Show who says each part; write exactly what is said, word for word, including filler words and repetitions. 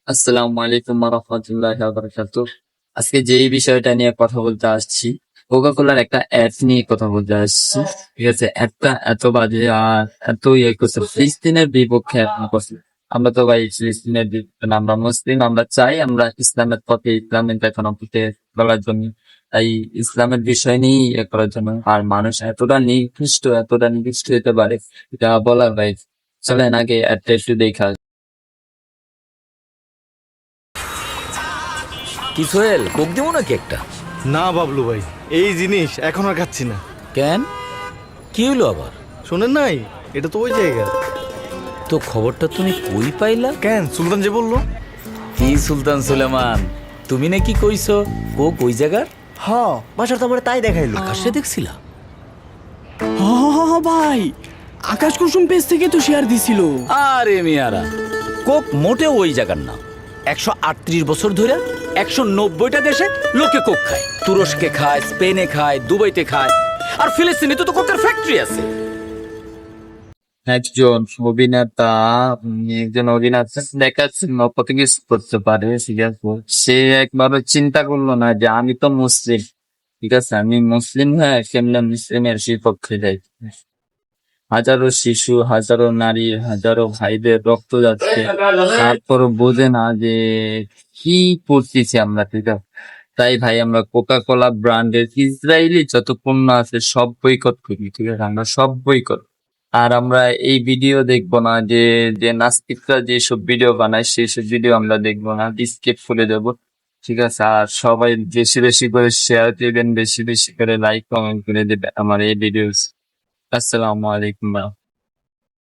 Speaker 1: আসসালামু আলাইকুম রাহমাতুল্লাহি ওয়া বারাকাতুহু। আজকে যেই বিষয়টা নিয়ে কথা বলতে আসছি, কোকা কোলার একটা অ্যাড নিয়ে কথা বলতে আসছি। ঠিক আছে, অ্যাডটা এত বাজে আর এত ইয়ে করছে, ফিলিস্তিনের বিপক্ষে এখন করছে। আমরা তো ভাই ফিলিস্তিনের বিপক্ষে না, আমরা মুসলিম, আমরা চাই আমরা ইসলামের পথে, ইসলামের দেখানো পথে চলার জন্য, তাই ইসলামের বিষয় নিয়ে ইয়ে করার জন্য। আর মানুষ এতটা নিকৃষ্ট, এতটা নিকৃষ্ট হতে পারে, এটা বলার ভাই। চলেন আগে অ্যাডটা একটু দেখা।
Speaker 2: কি সোহেল, কোক দেবো নাকি একটা?
Speaker 3: না বাবলু ভাই, এই জিনিস এখন আর খাচ্ছি না।
Speaker 2: কেন, কি হলো আবার?
Speaker 3: শোনেন নাই, এটা তো ওই জায়গা।
Speaker 2: তো খবরটা তুমি কই পাইলা?
Speaker 3: কেন, সুলতান যে বললো।
Speaker 2: কি সুলতান সুলেমান, তুমি নাকি কইছো কোক ওই জায়গার?
Speaker 4: হ বাসার তো আমার তাই দেখাইলো।
Speaker 2: আকাশে দেখছিলা?
Speaker 5: হ হ হ হ ভাই, আকাশ কুসুম পেজ থেকে তো শেয়ার দিছিল।
Speaker 2: আরে মিয়ারা, কোক মোটেও ওই জায়গার না। একশো আটত্রিশ বছর ধরে একশো নব্বইটা দেশে লোকে কোক খায়। তুরস্কে খায়, স্পেনে খায়, দুবাইতে খায়, আর ফিলিস্তিনে তো কোকের ফ্যাক্টরি আছে।
Speaker 1: একজন অভিনেতা, উম, একজন অভিনেতা দেখাচ্ছে কত কিছু করতে পারে, ঠিক আছে। সে একবারও চিন্তা করলো না যে আমি তো মুসলিম, ঠিক আছে, আমি মুসলিম হয়ে কেমনে মুসলিমের বিপক্ষে যাই। হাজারো শিশু, হাজারো নারী, হাজারো ভাইদের রক্ত যাচ্ছে, তারপর বোঝে না যে কি করতেছি আমরা, ঠিক আছে। তাই ভাই আমরা কোকা কোলা ব্র্যান্ডের ইসরায়েলি যত পণ্য আছে সব বয়কট করি, ঠিক আছে, আমরা সব বয়কট। আর আমরা এই ভিডিও দেখবো না, যে যে নাস্তিকরা যেসব ভিডিও বানায় সেই সব ভিডিও আমরা দেখবো না, স্কিপ করে দেবো, ঠিক আছে। আর সবাই বেশি বেশি করে শেয়ার দিবেন, বেশি বেশি করে লাইক কমেন্ট করে দিবেন আমার এই ভিডিও। আসসালামু আলাইকুম।